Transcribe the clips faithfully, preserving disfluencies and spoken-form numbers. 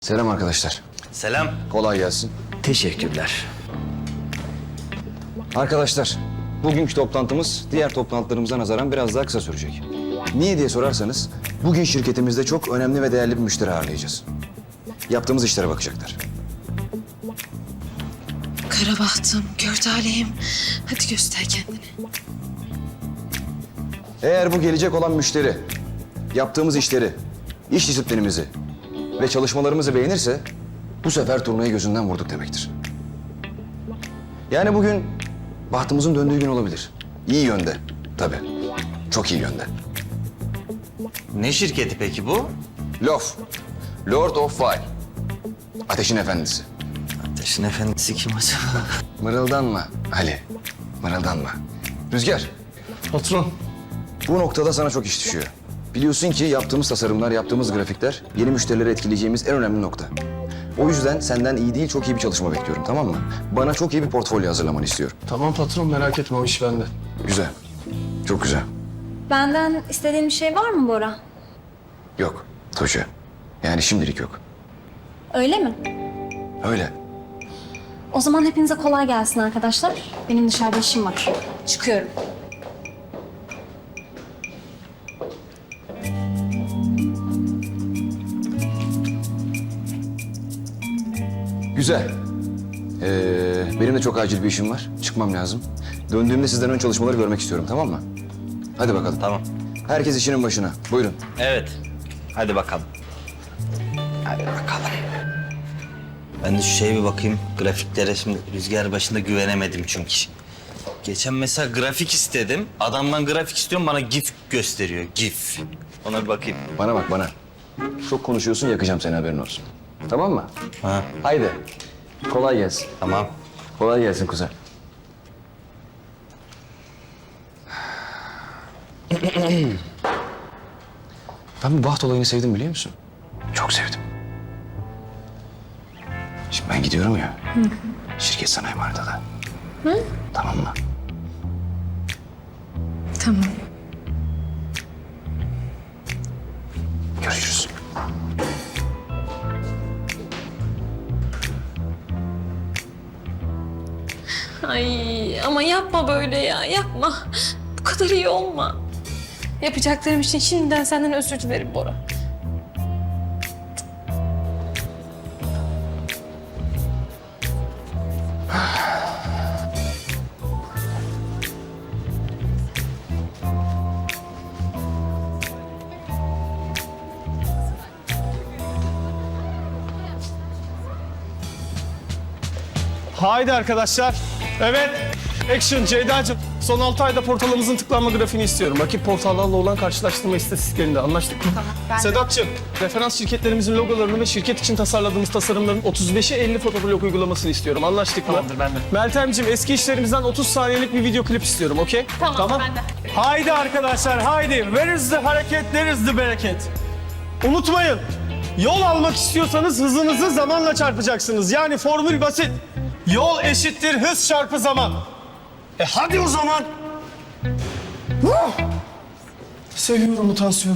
Selam arkadaşlar. Selam. Kolay gelsin. Teşekkürler. Arkadaşlar, bugünkü toplantımız diğer toplantılarımıza nazaran biraz daha kısa sürecek. Niye diye sorarsanız, bugün şirketimizde çok önemli ve değerli bir müşteri ağırlayacağız. Yaptığımız işlere bakacaklar. Kara bahtım, gör talihim. Hadi göster kendini. Eğer bu gelecek olan müşteri, yaptığımız işleri, iş disiplinimizi ve çalışmalarımızı beğenirse, bu sefer turnayı gözünden vurduk demektir. Yani bugün bahtımızın döndüğü gün olabilir. İyi yönde, tabii. Çok iyi yönde. Ne şirketi peki bu? Lof, Lord of Fire. Ateşin efendisi. Ateşin efendisi kim acaba? Mırıldanma Ali, mırıldanma. Rüzgar, Patron. bu noktada sana çok iş düşüyor. Biliyorsun ki yaptığımız tasarımlar, yaptığımız grafikler yeni müşterileri etkileyeceğimiz en önemli nokta. O yüzden senden iyi değil, çok iyi bir çalışma bekliyorum, tamam mı? Bana çok iyi bir portfolyo hazırlamanı istiyorum. Tamam patron, merak etme, o iş bende. Güzel, çok güzel. Benden istediğin bir şey var mı Bora? Yok, Tuğçe. Yani şimdilik yok. Öyle mi? Öyle. O zaman hepinize kolay gelsin arkadaşlar. Benim dışarıda işim var. Çıkıyorum. Güzel. Ee, benim de çok acil bir işim var. Çıkmam lazım. Döndüğümde sizden ön çalışmaları görmek istiyorum, tamam mı? Hadi bakalım. Tamam. Herkes işinin başına. Buyurun. Evet. Hadi bakalım. Hadi bakalım. Ben de şu şeye bir bakayım. Grafiklere şimdi rüzgar başında güvenemedim çünkü. Geçen mesela grafik istedim. Adamdan grafik istiyorum, bana GIF gösteriyor. GIF. Ona bir bakayım. Bana bak bana. Çok konuşuyorsun, yakacağım seni, haberin olsun. Tamam mı? Ha, Haydi. Kolay gelsin. tamam. Kolay gelsin kuzen. Ben bu baht olayını sevdim, biliyor musun? Çok sevdim. Şimdi ben gidiyorum ya. Şirket sana emanet ada. Tamam mı? Tamam. Görüşürüz. Ay ama yapma böyle ya, yapma. Bu kadar iyi olma. Yapacaklarım için şimdiden senden özür dilerim Bora. Haydi arkadaşlar. Evet. Action Ceyda'cığım. Son altı ayda portalımızın tıklanma grafiğini istiyorum. Rakip portallarla olan karşılaştırma istatistiklerinde anlaştık mı? Tamam. Sedat'cığım, referans şirketlerimizin logolarını ve şirket için tasarladığımız tasarımların otuz beşe elli fotoblok uygulamasını istiyorum. Anlaştık mı? Tamamdır, ben de. Meltemciğim, eski işlerimizden otuz saniyelik bir video klip istiyorum, okey? Tamam, tamam, ben de. Haydi arkadaşlar, haydi. Where is the hareket, there is the bereket. Unutmayın, yol almak istiyorsanız hızınızı zamanla çarpacaksınız. Yani formül basit. Yol eşittir hız çarpı zaman. E hadi o zaman. Huh! Seviyorum bu tansiyonu.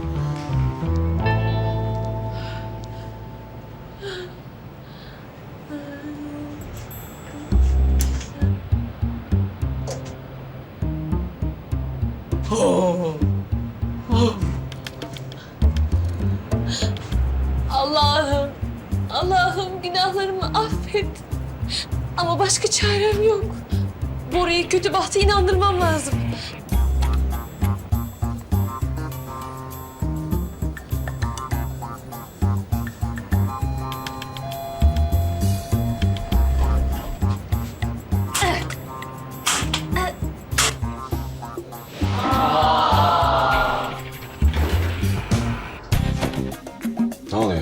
Allah'ım, Allah'ım günahlarımı affet. Ama başka çarem yok. Bora'yı kötü bahta inandırmam lazım. Ne oluyor?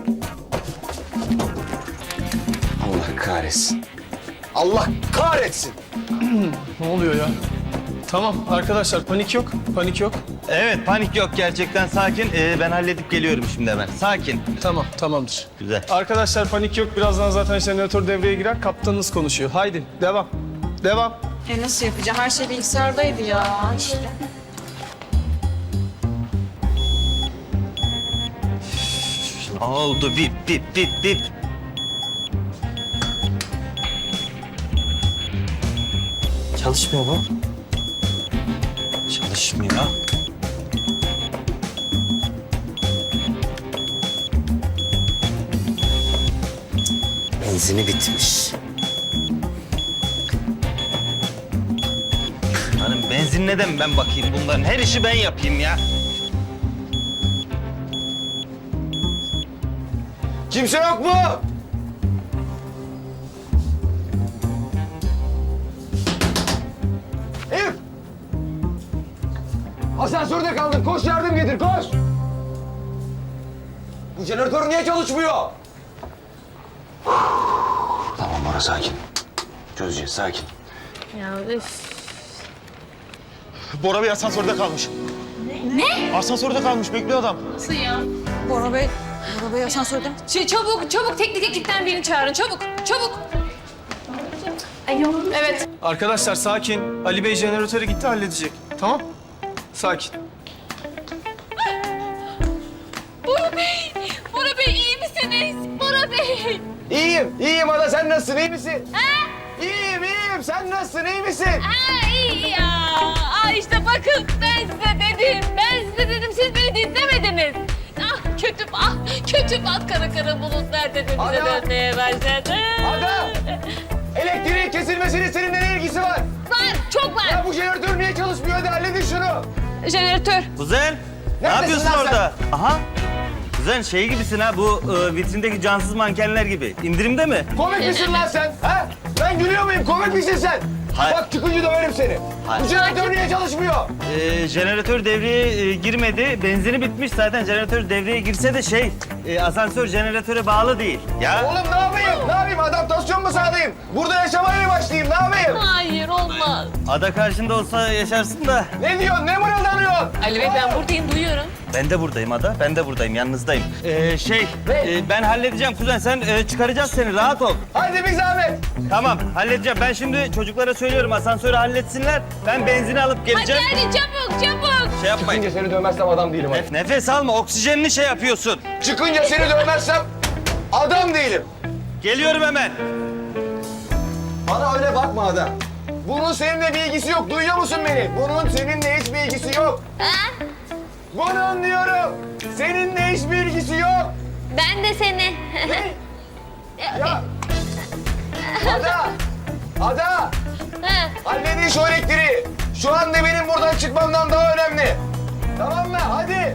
Allah kahretsin. Allah kahretsin. Ne oluyor ya? Tamam arkadaşlar, panik yok, panik yok. Evet, panik yok, gerçekten sakin. Ee, ben halledip geliyorum şimdi hemen. Sakin. Tamam, tamamdır. Güzel. Arkadaşlar panik yok, birazdan zaten jeneratör devreye girer, kaptanınız konuşuyor. Haydi, devam, devam. E nasıl yapacağım? Her şey bilgisayardaydı ya. İşte. Oldu bip bip bip bip. Çalışmıyor bu. Çalışmıyor. Benzini bitmiş. Hanım benzin neden ben bakayım bunların? Her işi ben yapayım ya. Kimse yok mu? Elif! Asansörde kaldın. Koş yardım getir, koş! Bu jeneratör niye çalışmıyor? Tamam Bora, sakin. Çözeceğiz, sakin. Ya üf. Bora Bey asansörde kalmış. Ne? Asansörde kalmış, bekliyor adam. Nasıl ya? Bora Bey, Bora Bey asansörde. Ç- çabuk, çabuk teknik ekipten birini çağırın. Çabuk, çabuk. Alo. Evet. Arkadaşlar sakin. Ali Bey jeneratöre gitti, halledecek. Tamam? Sakin. Bora Bey, Bora Bey iyi misiniz? Bora Bey. İyiyim, iyiyim Ada. Sen nasılsın, iyi misin? Ha? İyiyim, iyiyim. Sen nasılsın, iyi misin? Ha iyi ya. Aa işte bakın ben size dedim. Ben size dedim siz beni dinlemediniz. Ah kötü ah kötü bak kara kara bulutlar tepemize Ada! dönmeye başladı. Ada! Elektriğin kesilmesinin seninle ne ilgisi var? Var çok var. Ya bu jeneratör niye çalışmıyor? Hadi halledin şunu. Jeneratör. Kuzen, ne Neredesin yapıyorsun lan sen? orada? Aha. Kuzen şey gibisin ha, bu e, vitrindeki cansız mankenler gibi. İndirimde mi? Komik misin lan sen? Ha? Ben gülüyor muyum? Komik misin sen? Hayır. Bak çıkınca döverim seni. Hayır. Bu jeneratör niye çalışmıyor? E, jeneratör devreye e, girmedi. Benzini bitmiş zaten. Jeneratör devreye girse de şey, e, asansör jeneratöre bağlı değil. Ya. Oğlum ne yapayım? Ne yapayım? Adaptasyon mu sağlayayım? Burada yaşamaya mı başlayayım? Ne yapayım? Hayır olmaz. Ada karşında olsa yaşarsın da. Ne diyorsun? Ne mırıldanıyorsun? Ali Bey ben buradayım duyuyorum. Ben de buradayım Ada. Ben de buradayım. Yanınızdayım. Ee, şey, Ne? e, ben halledeceğim kuzen. Sen e, çıkaracağız seni. Rahat ol. Hadi bir zahmet. Tamam, halledeceğim. Ben şimdi çocuklara söylüyorum asansörü halletsinler. Ben benzini alıp Hadi geleceğim. hadi çabuk çabuk. Şey yapmayın. Çıkınca seni dövmezsem adam değilim. hadi. Nef- nefes alma. Oksijenini şey yapıyorsun. Çıkınca seni dövmezsem adam değilim. Geliyorum hemen. Bana öyle bakma Ada. Bunun seninle bir ilgisi yok. Duyuyor musun beni? Bunun seninle hiçbir ilgisi yok. Ha? Bunun diyorum. Seninle hiçbir ilgisi yok. Ben de seni. Ya. Ada. Ada. Ha. Halledin şu elektriği. Şu anda benim buradan çıkmamdan daha önemli. Tamam mı? Hadi.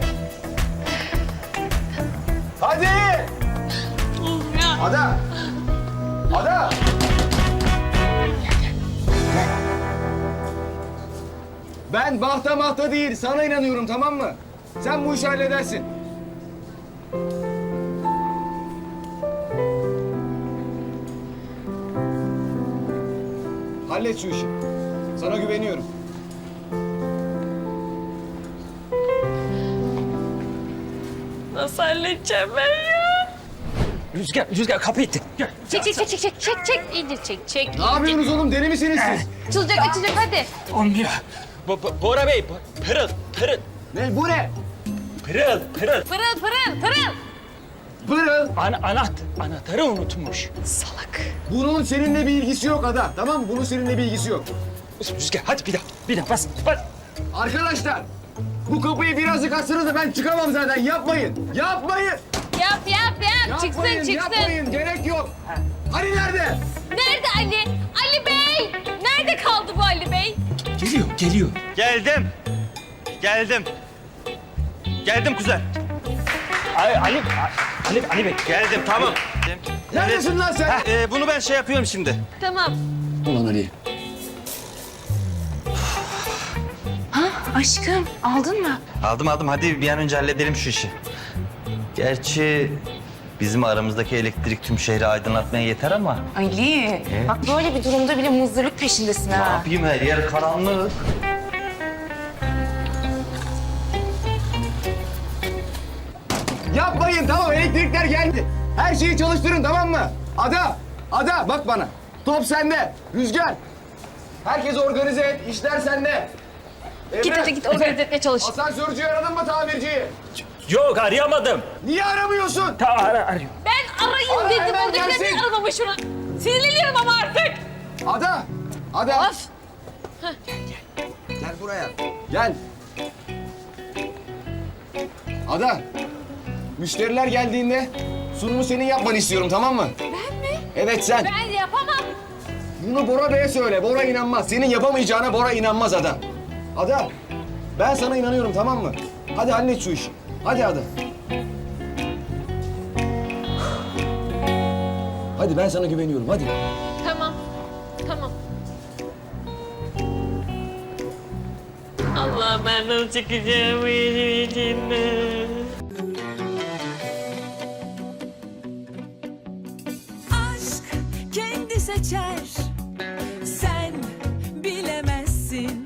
Hadi. Ada. Ada. Ben bahta mahta değil, sana inanıyorum, tamam mı? Sen bu işi halledersin. Hallet şu işi. Sana güveniyorum. Nasıl halledeceğim ben ya? Rüzgar, Rüzgar kapı itti. Çek çek çek çek çek çek çek iyice çek çek. Ne yapıyorsunuz oğlum? Deli misiniz siz? Açılacak açılacak hadi. Olmuyor. Bo Bo- Bora Bey, Bo- pırıl, pırıl, Ne? Bu ne? pırıl, pırıl. Pırıl pırıl pırıl. Pırıl. Ana, anaht, anahtarı unutmuş. Bunun seninle bir ilgisi yok Ada. Tamam mı? Bunun seninle bir ilgisi yok. Rüzgar, hadi bir daha, bir daha bas, bas. Arkadaşlar, bu kapıyı birazcık açsanız da ben çıkamam zaten. Yapmayın. Yapmayın. Yap yap yap çıksın Yapmayın, çıksın. yapmayın. Gerek yok. Ali nerede? Nerede Ali? Ali Bey! Nerede kaldı bu Ali Bey? Geliyor, geliyor. Geldim. Geldim. Geldim kuzen. Ali, Ali, Ali, Ali Bey. Geldim, tamam. Neredesin lan sen? Heh, e, bunu ben şey yapıyorum şimdi. Tamam. Ulan Ali. Aşkım, aldın mı? Aldım aldım. Hadi bir an önce halledelim şu işi. Gerçi bizim aramızdaki elektrik tüm şehri aydınlatmaya yeter ama Ali, bak böyle bir durumda bile muzdarlık peşindesin ne ha. yapayım, her yer karanlık. Yapmayın, tamam. Elektrikler geldi. Her şeyi çalıştırın, tamam mı? Ada, Ada bak bana. Top sende. Rüzgar. Herkes organize et. İşler sende. Emre, Git hadi git organize etmeye çalış. asansörcüyü aradın mı, tamirciyi? Yok arayamadım. Niye aramıyorsun? Ta ara arıyorum. Ben arayayım Ara, dedim. hemen Oradakiler gelsin. niye aramamış şunu? Sinirleniyorum ama artık. Ada! Ada! Of. Gel buraya. Gel. Ada. Müşteriler geldiğinde sunumu senin yapmanı istiyorum, tamam mı? Ben mi? Evet sen. Ben yapamam. Bunu Bora Bey'e söyle. Bora inanmaz. Senin yapamayacağına Bora inanmaz Ada. Ada. Ben sana inanıyorum, tamam mı? Hadi hallet şu işi. Hadi Ada. Hadi ben sana güveniyorum. Hadi. Tamam. Tamam. Allah ben nasıl çıkacağım işin içinden. aşk kendi seçer